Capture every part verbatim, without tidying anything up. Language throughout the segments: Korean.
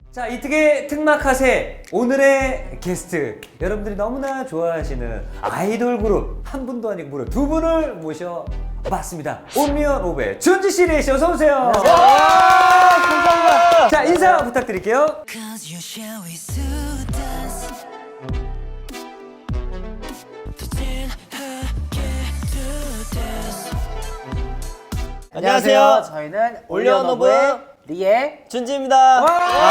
자, 이특의 특막하세 오늘의 게스트 여러분들이 너무나 좋아하시는 아이돌 그룹 한 분도 아니고 무려 두 분을 모셔봤습니다. 온리언 오브의 준지 씨, 레이 씨 어서 오세요. 감사합니다. 자, 인사 부탁드릴게요. 안녕하세요. 저희는 올리언 오브의 리의 준지입니다.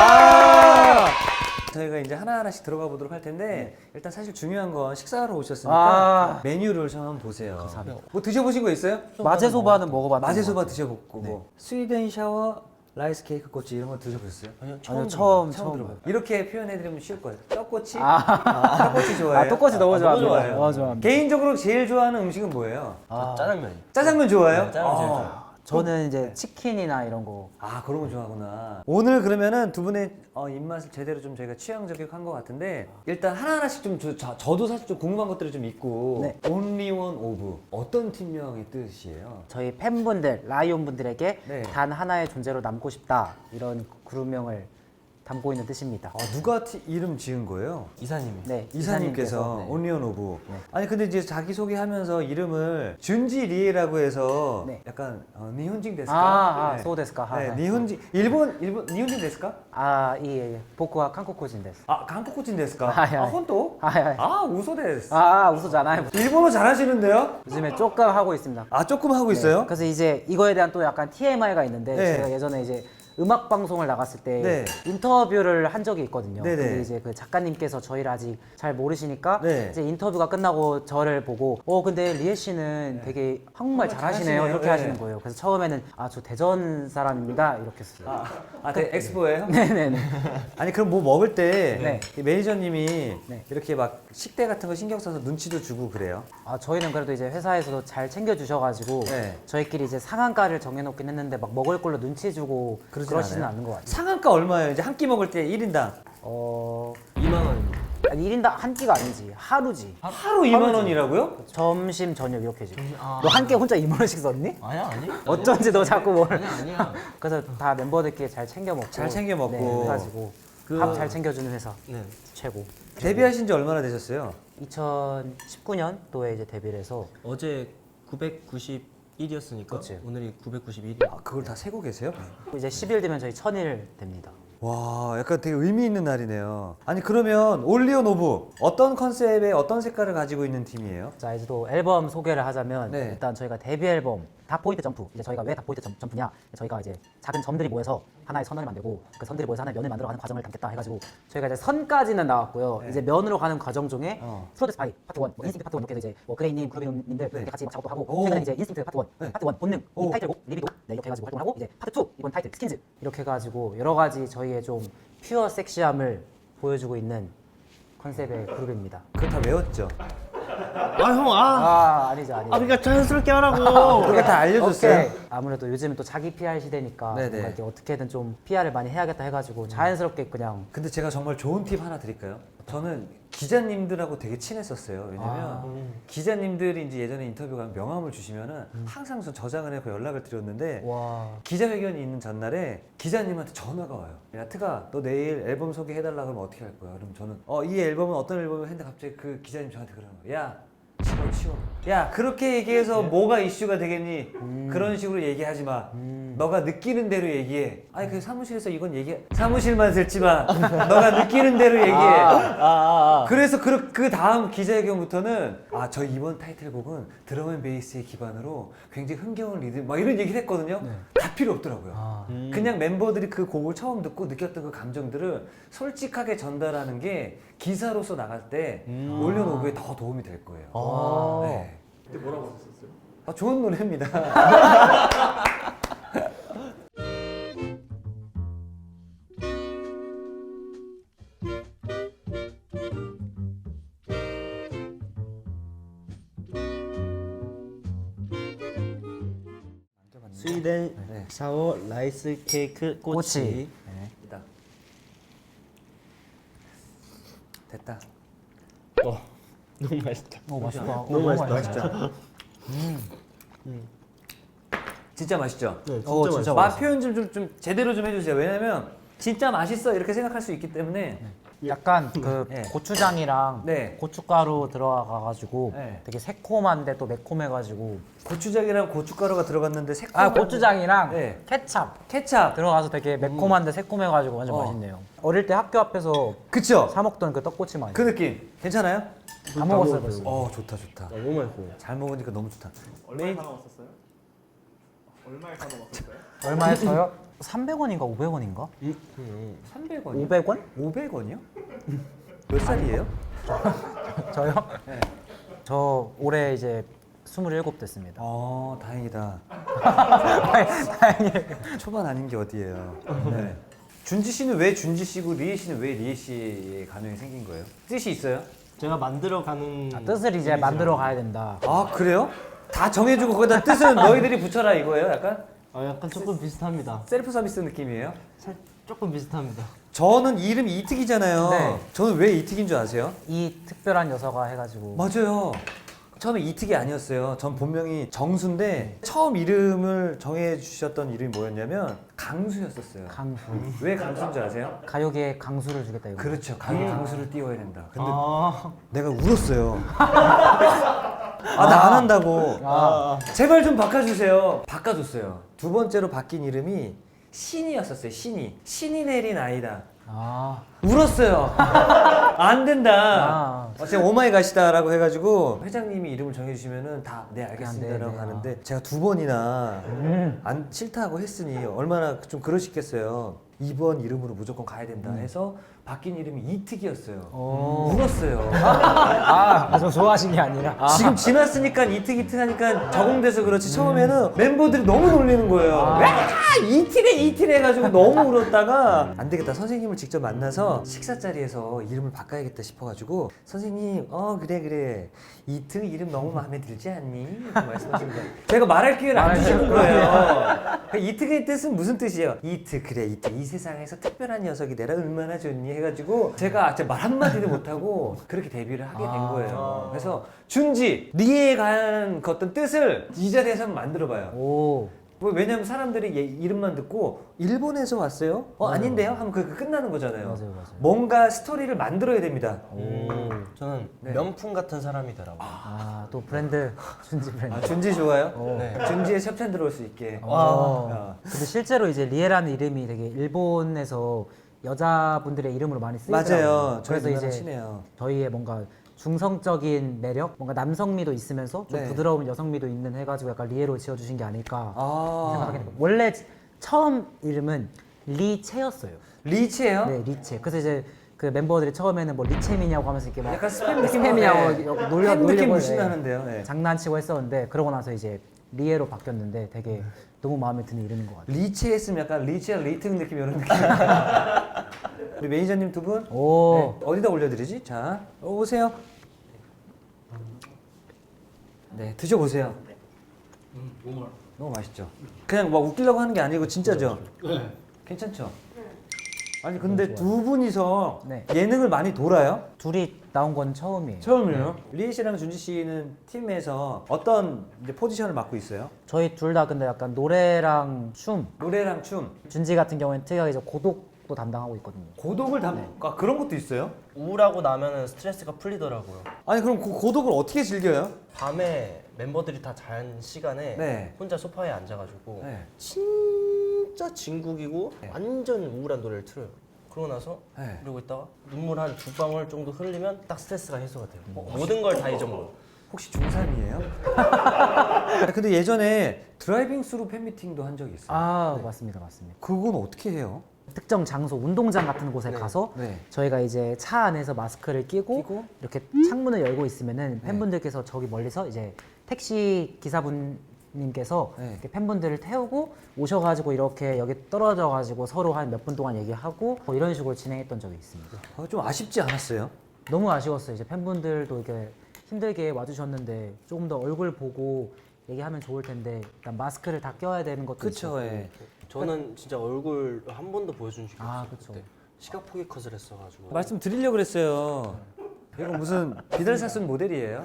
저희가 이제 하나하나씩 들어가 보도록 할 텐데 일단 사실 중요한 건 식사하러 오셨으니까 아. 메뉴를 좀 한번 보세요. 뭐 드셔보신 거 있어요? 마제소바는 먹어봤는데 마제소바 드셔보고 뭐 스위덴 샤워, 라이스 케이크 꼬치 이런 거 드셔보셨어요? 아니요, 아니요, 처음 처음 처음 들어봐요. 이렇게 표현해드리면 쉬울 거예요. 떡꼬치? 아. 떡꼬치 좋아해요? 아, 떡꼬치 너무 아, 좋아합니다. 좋아해요. 너무 좋아합니다. 개인적으로 제일 좋아하는 음식은 뭐예요? 아, 짜장면. 짜장면 좋아해요? 네, 짜장면 제일 아. 좋아해요. 저는 이제 치킨이나 이런 거. 아, 그런 거 좋아하구나. 오늘 그러면은 두 분의 어, 입맛을 제대로 좀 저희가 취향 저격한 것 같은데 일단 하나하나씩 좀 저, 저, 저도 사실 좀 궁금한 것들이 좀 있고 네. 온리원 오브 어떤 팀명의 뜻이에요? 저희 팬분들, 라이온 분들에게 네. 단 하나의 존재로 남고 싶다 이런 그룹명을 담고 있는 뜻입니다. 어, 누가 티, 이름 지은 거예요? 이사님이. 네, 이사님께서 네. 온리언 오브. 네. 아니 근데 이제 자기 소개하면서 이름을 준지 리에라고 해서 네. 약간 어, 니혼징 데스까? 아, 아, 소우 데스까? 하, 네, 하. 니혼징 일본 일본 니혼징 데스까? 아, 이 예, 보쿠와 한국코진 데스. 아, 한국코친 데스까? 아, 예, 아, 예. 혼또? 아, 예, 예. 아, 우소 데스. 아, 아, 웃었잖아요. 일본어 잘하시는데요? 요즘에 조금 하고 있습니다. 아, 조금 하고 있어요? 그래서 이제 이거에 대한 또 약간 티엠아이가 있는데 네. 제가 예전에 이제 음악 방송을 나갔을 때 네. 인터뷰를 한 적이 있거든요. 네네. 근데 이제 그 작가님께서 저희를 아직 잘 모르시니까 네. 이제 인터뷰가 끝나고 저를 보고 어 근데 리에 씨는 되게 한국말 잘하시네요 잘하시네요. 이렇게 네. 하시는 거예요. 그래서 처음에는 아 저 대전 사람입니다 이렇게 했어요. 아, 아, 그 엑스포예요? 네네네. 아니 그럼 뭐 먹을 때 네. 이 매니저님이 네. 이렇게 막 식대 같은 거 신경 써서 눈치도 주고 그래요? 아 저희는 그래도 이제 회사에서도 잘 챙겨주셔가지고 네. 저희끼리 이제 상한가를 정해놓긴 했는데 막 먹을 걸로 눈치 주고 그러진 그러지는 않아요? 않는 것 같아요. 상한가 얼마예요? 이제 한 끼 먹을 때 일 인당 어 이만 원입니다. 아니, 일 인당 한 끼가 아니지 하루지. 하루 이만 원이라고요? 점심 저녁 이렇게 지금. 아. 너 한 끼 혼자 이만 원씩 썼니? 아니야, 아니. 어쩐지 너 자꾸 뭘. 아니야, 아니야. 그래서 다 멤버들끼리 잘 챙겨 먹고. 잘 챙겨 먹고. 네, 해가지고 그- 밥 잘 챙겨주는 회사 네. 최고. 데뷔하신 지 얼마나 되셨어요? 이천십구 년도에 이제 데뷔를 해서 어제 구백구십일이었으니까 그치. 오늘이 구백구십일이야. 아, 그걸 다 세고 계세요? 이제 십 일 되면 저희 천일 됩니다. 와, 약간 되게 의미 있는 날이네요. 아니 그러면 올리온 오브 어떤 컨셉의 어떤 색깔을 가지고 있는 팀이에요? 자 이제 또 앨범 소개를 하자면 네. 일단 저희가 데뷔 앨범 닷포인트 점프. 이제 저희가 왜 닷포인트 점- 점프냐? 저희가 이제 작은 점들이 모여서 하나의 선을 만들고 그 선들이 모여서 하나의 면을 만들어가는 과정을 담겠다 해가지고 저희가 이제 선까지는 나왔고요. 네. 이제 면으로 가는 과정 중에 어. 프로듀스 바이 파트 일, 뭐 인스팅트 파트 일 이렇게 해서 이제 뭐 그레이님, 그루비님들 이렇게 같이 막 작업도 하고 오. 최근에 이제 인스팅트 파트 일, 네. 파트 일 본능, 오. 이 타이틀곡, 리비도 네, 이렇게 해가지고 활동을 하고 이제 파트 이 이번 타이틀 스킨즈 이렇게 해가지고 여러 가지 저희의 좀 퓨어 섹시함을 보여주고 있는 컨셉의 그룹입니다. 그거 다 외웠죠? 아, 형, 아. 아 아니죠 아니죠. 아, 그러니까 자연스럽게 하라고. 그거 다 알려줬어요? 오케이. 아무래도 요즘은 또 자기 피알 시대니까 네네. 뭔가 이렇게 어떻게든 좀 피알을 많이 해야겠다 해가지고 자연스럽게 그냥 근데 제가 정말 좋은 팁 하나 드릴까요? 저는 기자님들하고 되게 친했었어요. 왜냐면 아. 기자님들이 이제 예전에 인터뷰 가면 명함을 주시면은 항상 전 저장을 해서 연락을 드렸는데 와 기자회견이 있는 전날에 기자님한테 전화가 와요. 야, 트가, 너 내일 앨범 소개해달라 그러면 어떻게 할 거야? 그럼 저는 어, 이 앨범은 어떤 앨범을 했는데 갑자기 그 기자님 저한테 그러는 거예요. 야, 치워, 치워. 야, 그렇게 얘기해서 뭐가 이슈가 되겠니? 그런 식으로 얘기하지 마. 너가 느끼는 대로 얘기해. 아니, 그 사무실에서 이건 얘기, 사무실만 듣지 마. 너가 느끼는 대로 얘기해. 아, 아, 아. 그래서 그, 그 다음 기자회견부터는 아, 저 이번 타이틀곡은 드럼 앤 베이스의 기반으로 굉장히 흥겨운 리듬 막 이런 얘기를 했거든요. 다 필요 없더라고요. 아. 음. 그냥 멤버들이 그 곡을 처음 듣고 느꼈던 그 감정들을 솔직하게 전달하는 게 기사로서 나갈 때 음. 올려놓기에 더 도움이 될 거예요. 아. 네. 근데 뭐라고 하셨어요? 아, 좋은 노래입니다. 스위덴 네. 샤워 라이스 케이크 꼬치. 꼬치. 네. 됐다. 됐다. 어, 너무 맛있다. 오 맛있다. 너무 맛있다. 진짜 맛있죠? 네, 진짜 어, 진짜 맛있어. 맛 표현 좀, 좀, 좀 제대로 좀 해주세요. 왜냐면 진짜 맛있어 이렇게 생각할 수 있기 때문에 약간 그 네. 고추장이랑 네. 고춧가루 들어가가지고 네. 되게 새콤한데 또 매콤해가지고 고추장이랑 고춧가루가 들어갔는데 새콤. 아 고추장이랑 네. 케찹 케찹. 들어가서 되게 매콤한데 새콤해가지고 완전 어. 맛있네요. 어릴 때 학교 앞에서 그쵸? 사 먹던 그 떡꼬치 맛. 그 느낌 괜찮아요? 다 먹었어요 벌써. 어 좋다 좋다. 너무 맛있어요. 잘 먹으니까 너무 좋다. 얼마에 사 먹었었어요? 얼마에 사 먹었었어요? 얼마에 써요? 삼백 원인가 오백 원인가? 삼백 원이요? 오백 원? 오백 원이요? 몇 살이에요? 저요? 네. 저 올해 이제 스물일곱 됐습니다. 어 다행이다. 다행이에요. 초반 아닌 게 어디예요? 네. 준지 씨는 왜 준지 씨고 리에 씨는 왜 리에 씨의 가명이 생긴 거예요? 뜻이 있어요? 제가 만들어가는 뜻을 이제 만들어 가야 된다. 아 그래요? 다 정해주고 거기다 뜻은 너희들이 붙여라 이거예요? 약간 아, 약간 조금 비슷합니다. 셀프 서비스 느낌이에요? 살 조금 비슷합니다. 저는 이름이 이특이잖아요. 네. 저는 왜 이특인 줄 아세요? 이 특별한 여서가 해가지고 맞아요. 처음에 이특이 아니었어요. 전 본명이 정수인데 처음 이름을 정해주셨던 이름이 뭐였냐면 강수였었어요. 강수. 왜 강수인 줄 아세요? 가요계에 강수를 주겠다 이거. 그렇죠. 가요 강수를 띄워야 된다. 근데 아, 내가 울었어요. 아 나 안 한다고. 아. 제발 좀 바꿔주세요. 바꿔줬어요. 두 번째로 바뀐 이름이 신이었었어요. 신이. 신이 내린 아이다. 아. 울었어요. 안 된다. 아. 어, 제가 오마이갓이다라고 해가지고 회장님이 이름을 정해주시면은 다 네 알겠습니다라고 네, 네. 하는데 제가 두 번이나 음. 안 싫다고 했으니 얼마나 좀 그러시겠어요. 이번 이름으로 무조건 가야 된다 해서 바뀐 이름이 이특이었어요. 오. 울었어요. 아, 저 좋아하신 게 아니라. 아. 지금 지났으니까 이특 이특 하니까 적응돼서 그렇지 처음에는 멤버들이 너무 놀리는 거예요. 와 이틀에 이틀 해가지고 너무 울었다가 안 되겠다 선생님을 직접 만나서 식사 자리에서 이름을 바꿔야겠다 싶어가지고 선생님 어 그래 그래 이특 이름 너무 마음에 들지 않니? 이렇게 말씀하시는 거예요. 제가 말할 기회를 안 주시는 거예요. 그 이특의 뜻은 무슨 뜻이에요? 이특 그래 이특 이 세상에서 특별한 녀석이 내라 얼마나 좋니 해가지고 제가 진짜 말 한마디도 못하고 그렇게 데뷔를 하게 된 아. 거예요. 그래서 준지 리에 관한 그 어떤 뜻을 이 자리에서 한번 만들어봐요. 오. 뭐 왜냐면 사람들이 얘 이름만 듣고 일본에서 왔어요? 어 맞아요. 아닌데요? 하면 그 끝나는 거잖아요. 맞아요, 맞아요. 뭔가 스토리를 만들어야 됩니다. 음, 저는 네. 명품 같은 사람이더라고요. 아, 또 브랜드 준지 브랜드. 아, 준지 좋아요? 네. 준지에 협찬 들어올 수 있게. 어. 어. 근데 실제로 이제 리에라는 이름이 되게 일본에서 여자분들의 이름으로 많이 쓰이더라고요. 맞아요. 저희 그래서 누나랑 이제 친해요. 저희의 뭔가 중성적인 매력, 뭔가 남성미도 있으면서 좀 네. 부드러운 여성미도 있는 해가지고 약간 리에로 지어주신 게 아닐까 아 생각하게 됩니다. 원래 처음 이름은 리체였어요. 리치예요? 네, 리체. 그래서 이제 그 멤버들이 처음에는 뭐 리체미냐고 하면서 이렇게 막 약간 스팸 느낌 스팸이냐고 놀려 햄 느낌 놀려고 무신 네, 나는데요. 네. 장난치고 했었는데 그러고 나서 이제 리에로 바뀌었는데 되게 너무 마음에 드는 이름인 것 같아요. 리치 했으면 약간 리치야 리특 느낌 이런 느낌. 우리 매니저님 두 분. 오. 네, 어디다 올려드리지? 자, 어, 오세요. 네, 드셔보세요. 너무 맛있죠? 그냥 막 웃기려고 하는 게 아니고 진짜죠? 네. 괜찮죠? 아니 근데 두 분이서 네. 예능을 많이 돌아요? 둘이 나온 건 처음이에요. 처음이에요? 리에 씨랑 준지 씨는 팀에서 어떤 이제 포지션을 맡고 있어요? 저희 둘 다 근데 약간 노래랑 춤, 노래랑 춤, 준지 같은 경우에는 특이하게 이제 고독도 담당하고 있거든요. 고독을 담... 아 그런 것도 있어요? 우울하고 나면은 스트레스가 풀리더라고요. 아니 그럼 그 고독을 어떻게 즐겨요? 밤에 멤버들이 다 잔 시간에 네. 혼자 소파에 앉아가지고 네. 진짜 진국이고 네. 완전 우울한 노래를 틀어요. 그러고 나서 네. 그러고 있다가 눈물 한 두 방울 정도 흘리면 딱 스트레스가 해소가 돼요. 모든 걸 다 잊어먹어요. 혹시 중삼이에요? 아니, 근데 예전에 드라이빙 스루 팬미팅도 한 적이 있어요. 아 맞습니다, 맞습니다. 그건 어떻게 해요? 특정 장소, 운동장 같은 곳에 가서 네. 저희가 이제 차 안에서 마스크를 끼고, 끼고? 이렇게 창문을 열고 있으면은 팬분들께서 저기 멀리서 이제 택시 기사분님께서 네. 이렇게 팬분들을 태우고 오셔가지고 이렇게 여기 떨어져가지고 서로 한 몇 분 동안 얘기하고 뭐 이런 식으로 진행했던 적이 있습니다. 아, 좀 아쉽지 않았어요? 너무 아쉬웠어요. 이제 팬분들도 이렇게 힘들게 와주셨는데 조금 더 얼굴 보고 얘기하면 좋을 텐데 일단 마스크를 다 껴야 되는 것도 그쵸, 있었고. 예. 저는 진짜 얼굴 한 번도 보여준 적이 아, 없어요. 그쵸. 그때. 시각 포기 컷을 했어가지고. 말씀 드리려고 그랬어요. 이거 무슨 비달사순 모델이에요?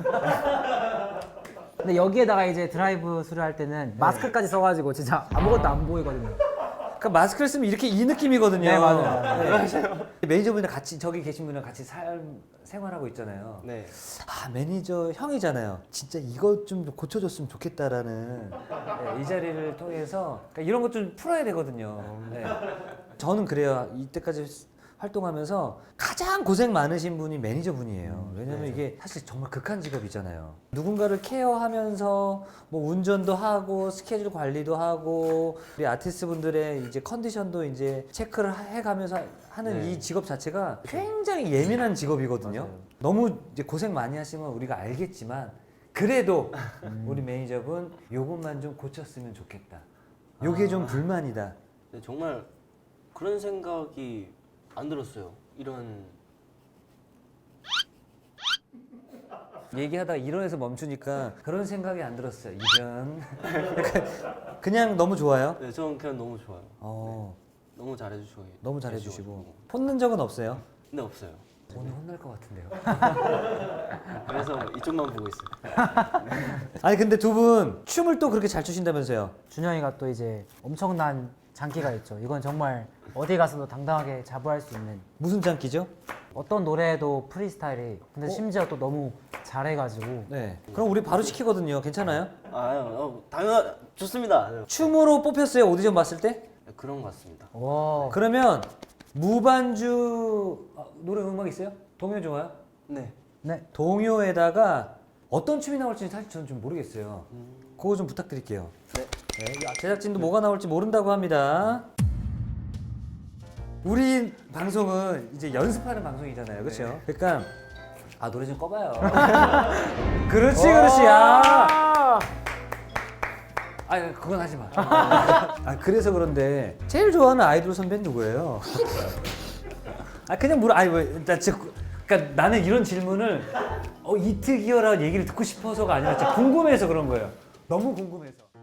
근데 여기에다가 이제 드라이브 스루 할 때는 마스크까지 써가지고 진짜 아무것도 안 보이거든요. 그러니까 마스크를 쓰면 이렇게 이 느낌이거든요. 네, 맞아요. 네. 매니저분이랑 같이 저기 계신 분이랑 같이 삶 생활하고 있잖아요. 네. 아 매니저 형이잖아요. 진짜 이것 좀 고쳐줬으면 좋겠다라는 네, 이 자리를 통해서 그러니까 이런 것 좀 풀어야 되거든요. 네. 저는 그래요. 이때까지 활동하면서 가장 고생 많으신 분이 매니저분이에요. 왜냐면 이게 사실 정말 극한 직업이잖아요. 누군가를 케어하면서 뭐 운전도 하고 스케줄 관리도 하고 우리 아티스트 분들의 이제 컨디션도 이제 체크를 해가면서 하는 네. 이 직업 자체가 굉장히 예민한 직업이거든요. 맞아요. 너무 이제 고생 많이 하시면 우리가 알겠지만 그래도 우리 매니저분 요것만 좀 고쳤으면 좋겠다. 요게 좀 불만이다. 네, 정말 그런 생각이 안 들었어요. 이런 얘기하다가 이론에서 멈추니까 그런 생각이 안 들었어요. 이런 약간 그냥 너무 좋아요. 네, 저는 그냥 너무 좋아요. 어, 너무 잘해주시고 너무 잘해주시고 계셔가지고. 혼낸 적은 없어요. 근데 없어요. 오늘 혼날 것 같은데요. 그래서 이쪽만 보고 있어요. 아니 근데 두 분 춤을 또 그렇게 잘 추신다면서요? 준영이가 또 이제 엄청난 장기가 있죠. 이건 정말 어디 가서도 당당하게 자부할 수 있는 무슨 장기죠? 어떤 노래도 프리스타일이 근데 어? 심지어 또 너무 잘해가지고 네. 그럼 우리 바로 시키거든요. 괜찮아요? 아, 어, 당연 좋습니다. 네, 춤으로 뽑혔어요. 오디션 봤을 때? 그런 것 같습니다. 와 그러면 무반주 아, 노래 음악 있어요? 동요 좋아요? 네. 네. 동요에다가 어떤 춤이 나올지 사실 저는 좀 모르겠어요. 음, 그거 좀 부탁드릴게요. 네. 네, 제작진도 뭐가 나올지 모른다고 합니다. 우리 방송은 이제 연습하는 방송이잖아요, 그렇죠? 그러니까 아 노래 좀 꺼봐요. 그렇지, 그렇지. 아, 아 그건 하지 마. 아 그래서 그런데 제일 좋아하는 아이돌 선배는 누구예요? 아 그냥 물어. 아니 왜나 진짜 그러니까 나는 이런 질문을 어 이특이어라 얘기를 듣고 싶어서가 아니라 진짜 궁금해서 그런 거예요. 너무 궁금해서.